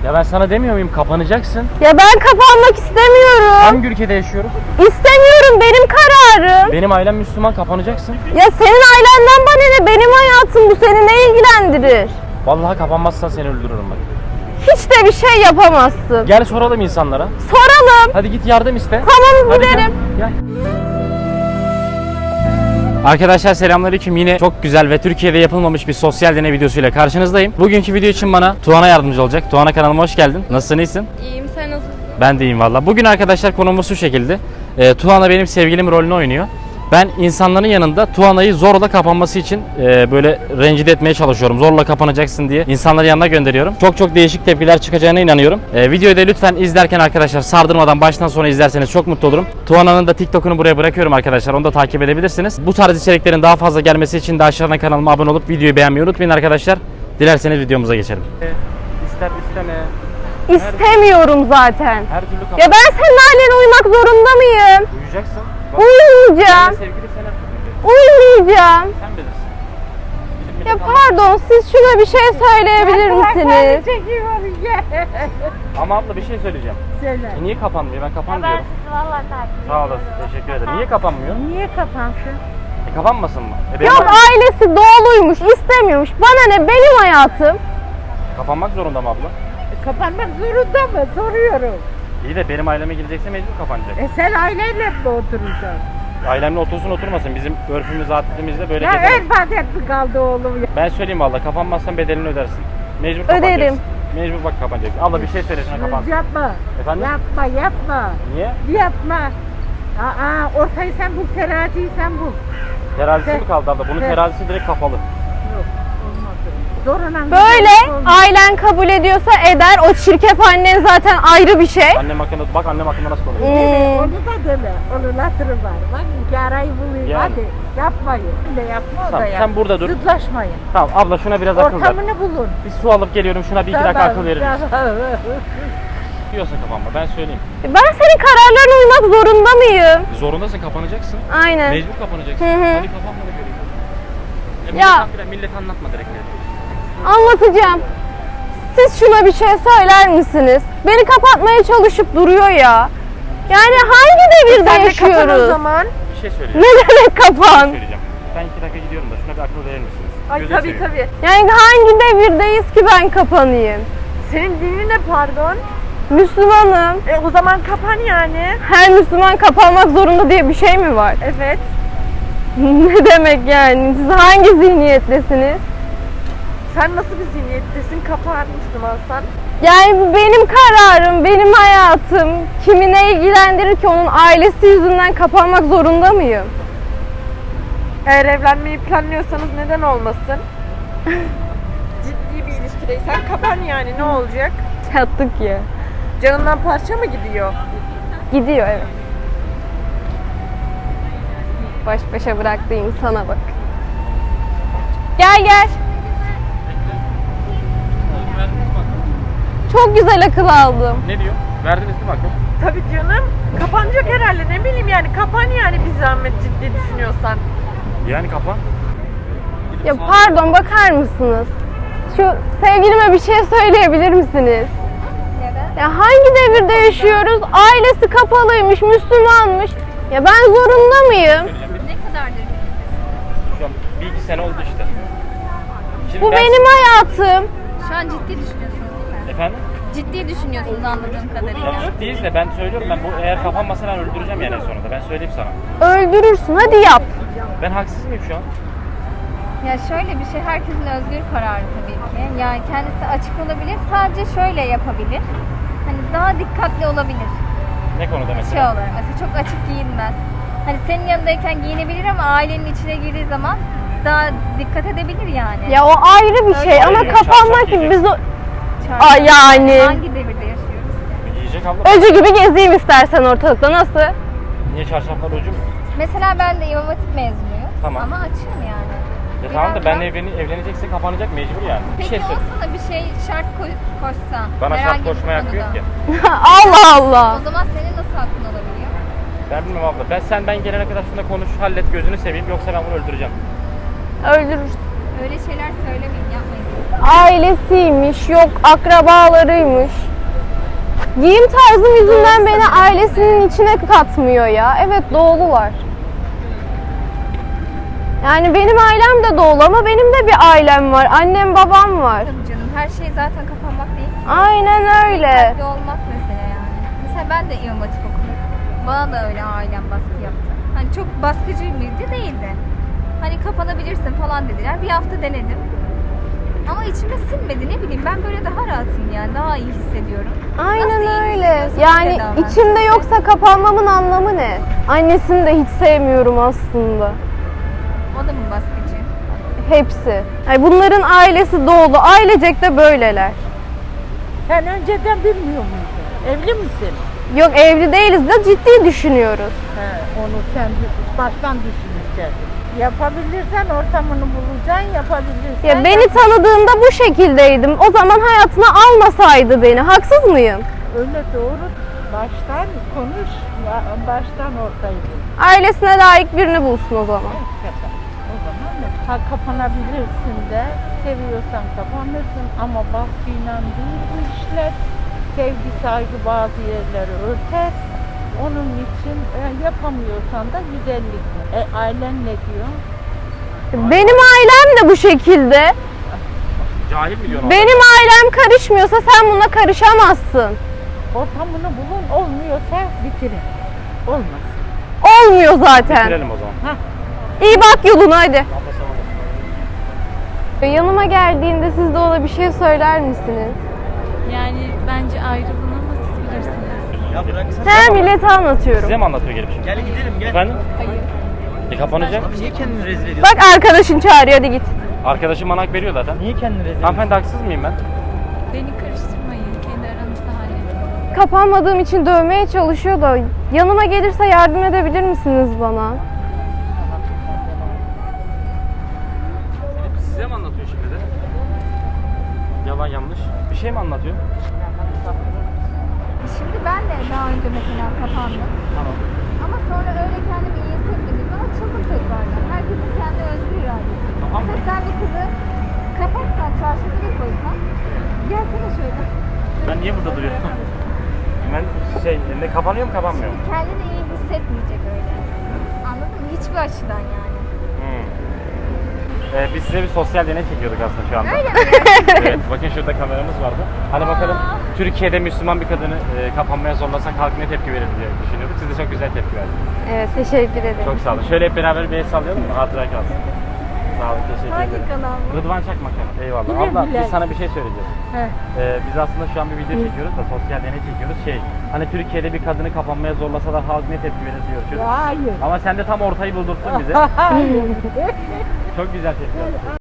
Ya ben sana demiyor muyum kapanacaksın? Ya ben kapanmak istemiyorum. Hangi ülkede yaşıyoruz? İstemiyorum, benim kararım. Benim ailem Müslüman, kapanacaksın. Ya senin ailenden bana ne? Benim hayatım bu, seni ne ilgilendirir? Vallahi kapanmazsan seni öldürürüm bak. Hiç de bir şey yapamazsın. Gel soralım insanlara. Soralım. Hadi git yardım iste. Tamam, Hadi giderim. Gel. Arkadaşlar selamünaleyküm. Yine çok güzel ve Türkiye'de yapılmamış bir sosyal deney videosuyla karşınızdayım. Bugünkü video için bana Tuana yardımcı olacak. Tuana, kanalıma hoş geldin. Nasılsın, iyisin? İyiyim, sen nasılsın? Ben de iyiyim valla. Bugün arkadaşlar konumuz şu şekilde. Tuana benim sevgilim rolünü oynuyor. Ben insanların yanında Tuana'yı zorla kapanması için böyle rencide etmeye çalışıyorum. Zorla kapanacaksın diye insanların yanına gönderiyorum. Çok değişik tepkiler çıkacağına inanıyorum. Videoyu da lütfen izlerken arkadaşlar sardırmadan baştan sona izlerseniz çok mutlu olurum. Tuana'nın da TikTok'unu buraya bırakıyorum arkadaşlar. Onu da takip edebilirsiniz. Bu tarz içeriklerin daha fazla gelmesi için de aşağıdan kanalıma abone olup videoyu beğenmeyi unutmayın arkadaşlar. Dilerseniz videomuza geçelim. İster isteme. İstemiyorum zaten. Her türlü kapan. Ya ben senin ailene uymak zorunda mıyım? Uyuyacaksın. Uyumayacağım. Sevgili sen Uyumayacağım. Sen bilirsin. Ya pardon, siz şuna bir şey söyleyebilir misiniz? Ama abla bir şey söyleyeceğim. Söyle. Niye kapanmıyor? Ben kapanmıyorum. sizi vallahi takip Sağ olasın. Teşekkür ederim. Niye kapanmıyor? Niye kapansın? Kapanmasın mı? Yok, ailesi doğuluymuş, istemiyormuş. Bana ne, benim hayatım. Kapanmak zorunda mı abla? Kapanmak zorunda mı? Soruyorum. İyi de benim aileme gelecekse mecbur kapanacak. Sen aileyle mi oturacaksın? Ailemle otursun oturmasın. Bizim örfümüz, adetimizde böyle Ya gezemez. örf adet mi kaldı oğlum ya? Ben söyleyeyim valla, kapanmazsan bedelini ödersin. Mecbur kapanacaksın. Öderim. Mecbur bak kapanacaksın. Abla bir şey söylesene kapansın. Yapma. Efendim? Yapma. Niye? Yapma. Ortayı sen bul, teraziyi sen bul. Terazisi mi kaldı abla? Bunun Evet. terazisi direkt kapalı. Yok, olmaz. Zorla Böyle ailen kabul ediyorsa eder. O çirkef annen zaten ayrı bir şey. Annem hakkında, bak annem hakkında nasıl konuşuyor. Onu da deme. Onun hatırı var. Bak iki arayı bulayım. Yani. Hadi yapmayın. De yapma o Tamam, da yap. sen burada dur. Zıtlaşmayın. Tamam abla, şuna biraz akıl ver. Ortamını bulun. Bir su alıp geliyorum, şuna bir iki dakika akıl verir misin? Tamam. Diyorsa kapanma, ben söyleyeyim. Ben senin kararlarına uymak zorunda mıyım? Zorundasın, kapanacaksın. Aynen. Mecbur kapanacaksın. Hı hı. Hadi kapanma da göreyim. Ya. Millet anlatma direkt ne. Anlatacağım. Siz şuna bir şey söyler misiniz? Beni kapatmaya çalışıp duruyor ya. Yani hangi devirde Sen de yaşıyoruz? kapan o zaman. Bir şey söyleyeceğim. Ne demek kapan? Söyleyeceğim. Ben 2 dakika gidiyorum da şuna bir akıl verir misiniz? Ay Gözünü tabii seveyim. tabii. Yani hangi devirdeyiz ki ben kapanayım? Senin dinin ne pardon? Müslümanım. O zaman kapan yani. Her Müslüman kapanmak zorunda diye bir şey mi var? Evet. Ne demek yani? Siz hangi zihniyettesiniz? Sen nasıl bir zihniyettesin? Kapan Müslümansan. Yani bu benim kararım, benim hayatım. Kimi ne ilgilendirir ki, onun ailesi yüzünden kapanmak zorunda mıyım? Eğer evlenmeyi planlıyorsanız neden olmasın? Ciddi bir ilişkideysen kapan yani, ne olacak? Çattık ya. Canından parça mı gidiyor? Gidiyor, evet. Baş başa bıraktığı insana bak. Gel. Çok güzel akıl aldım. Ne diyor? Verdiniz değil mi akıl? Tabii canım. Kapanacak herhalde, ne bileyim yani, kapan yani bir zahmet, ciddi düşünüyorsan. Yani kapan. Ya pardon, bakar mısınız? Şu sevgilime bir şey söyleyebilir misiniz? Ya hangi devirde yaşıyoruz? Ailesi kapalıymış, Müslümanmış. Ya ben zorunda mıyım? Ne kadardır? Şu an 1-2 sene oldu işte. Şimdi Bu benim hayatım. Şu an ciddi düşünüyorsunuz değil mi? Efendim? Ciddi düşünüyorsunuz anladığım kadarıyla. Ya ciddiyiz de ben söylüyorum, ben bu eğer kapanmasa ben öldüreceğim yani en sonunda. Ben söyleyeyim sana. Öldürürsün, hadi yap. Ben haksız mıyım şu an? Ya şöyle bir şey, herkesin özgür kararı tabii ki. Yani kendisi açık olabilir, sadece şöyle yapabilir. Hani daha dikkatli olabilir. Ne konuda Şey mesela? olarak mesela çok açık giyinmez. Hani senin yanındayken giyinebilir ama ailenin içine girdiği zaman daha dikkat edebilir yani. Ya o ayrı bir şey ama Hayır, kapanmak şarşaf gibi biz o... Çarşı- Aa, yani. Hangi devirde yaşıyoruz? Yiyecek abla. Öcü gibi gezeyim istersen ortalıkta, nasıl? Niye çarşaflar ucu mu? Mesela ben de İmam Hatip mezunuyum. Tamam. Ama açığım yani. Ya tamam da Biraz ben da- evlenecekse kapanacak mecbur yani. Bir Peki şey söyle. olsa da bir şey şart koşsa. Bana şart herhangi bir koşmaya hakkı yok konuda. ki. Allah Allah. O zaman senin nasıl hakkın olabiliyor? Ben bilmem abla. Ben gelene kadar şunda konuş, hallet, gözünü seveyim, yoksa ben bunu öldüreceğim. Öldürürsün. Öyle şeyler söylemeyin, yapmayın. ailesiymiş, yok akrabalarıymış. Giyim tarzım yüzünden beni ailesinin içine katmıyor ya. Evet, doğulular. Yani benim ailem de doğulu ama benim de bir ailem var. Annem, babam var. Tabii canım, her şey zaten kapanmak değil. Aynen öyle. Dikkatli olmak mesele yani. Mesela ben de İmam Hatip okudum. Bana da öyle ailem baskı yaptı. Hani çok baskıcı mıydı? Değildi. Hani kapanabilirsin falan dediler. Bir hafta denedim. Ama içime sinmedi, ne bileyim, ben böyle daha rahatım yani, daha iyi hissediyorum. Aynen Nasıl iyi öyle. hissediyorsan Yani öyle davran. içimde yoksa kapanmamın anlamı ne? Annesini de hiç sevmiyorum aslında. O da mı baskıcı? Hepsi. Yani bunların ailesi doğulu. Ailecek de böyleler. Sen önceden bilmiyor muydun? Evli misin? Yok, evli değiliz de ciddi düşünüyoruz. Onu sen baştan düşüneceksin. Yapabilirsen ortamını bulacaksın, yapabilirsen. Ya beni tanıdığında bu şekildeydim. O zaman hayatına almasaydı beni. Haksız mıyım? Öyle doğru. Baştan konuş, baştan ortayı bul. Ailesine layık birini bulsun o zaman. O zaman kapanabilirsin de, seviyorsan kapanırsın ama baskıyla değil bu işler. Sevgi, saygı bazı yerleri örter. Onun için yapamıyorsan da güzellik. Ailen ne diyor? Benim ailem de bu şekilde. Cahil mi diyorsun? Benim ailem karışmıyorsa sen buna karışamazsın. Ortamını bulun, olmuyorsa bitirin. Olmaz. Olmuyor zaten. Bitirelim o zaman. İyi bak yoluna hadi. Yanıma geldiğinde siz de ona bir şey söyler misiniz? Yani bence ayrılın ama siz bilirsiniz. Ya bıraksana. He, millete anlatıyorum. Size mi anlatıyor gelip şimdi? Gel gidelim gel. Efendim? Hayır. Kapanacak. Abi niye kendini rezil ediyorsun? Bak arkadaşın çağırıyor, hadi git. Arkadaşım bana hak veriyor zaten. Niye kendini rezil ediyorsun? Hanımefendi haksız mıyım ben? Beni karıştırmayın. Kendi aranızda halledin. Kapanmadığım için dövmeye çalışıyor da yanıma gelirse yardım edebilir misiniz bana? Size mi anlatıyor şimdi de? Yalan yanlış. Bir şey mi anlatıyor? Şimdi ben de daha önce mesela kapandım. Tamam. Ama sonra öyle kendimi iyi hissetmediğim zaman çılgın tekrardan. Herkesin kendi özgür iradesi. Tamam. Mesela sen bir kızı kapatsan, çarşıda bir koysan, gelsene şöyle. Ben niye burada duruyorum? Ben ne kapanıyor mu kapanmıyor mu? Kendini iyi hissetmeyecek öyle. Anladın mı? Hiçbir açıdan yani. Biz size bir sosyal deney çekiyorduk aslında şu anda. Öyle mi? Evet, bakın şurada kameramız vardı. Hani bakalım Türkiye'de Müslüman bir kadını kapanmaya zorlasak halk ne tepki verir diye düşünüyorduk. Siz de çok güzel tepki verdiniz. Evet, teşekkür ederim. Çok sağ olun. Şöyle hep beraber bir el sallayalım mı? Hatıra kalsın. Sağ olun, teşekkür Hangi ederim. kanal bu? Rıdvan Çakmak. Eyvallah. Güle Abla güle. biz sana bir şey söyleyeceğiz. He. Biz aslında şu an bir video çekiyoruz da sosyal deney çekiyoruz. Hani Türkiye'de bir kadını kapanmaya zorlasalar halk ne tepki verir diyor. Hayır. Ama sen de tam ortayı buldurttun bize. Hayır. Çok güzel tepki verdin.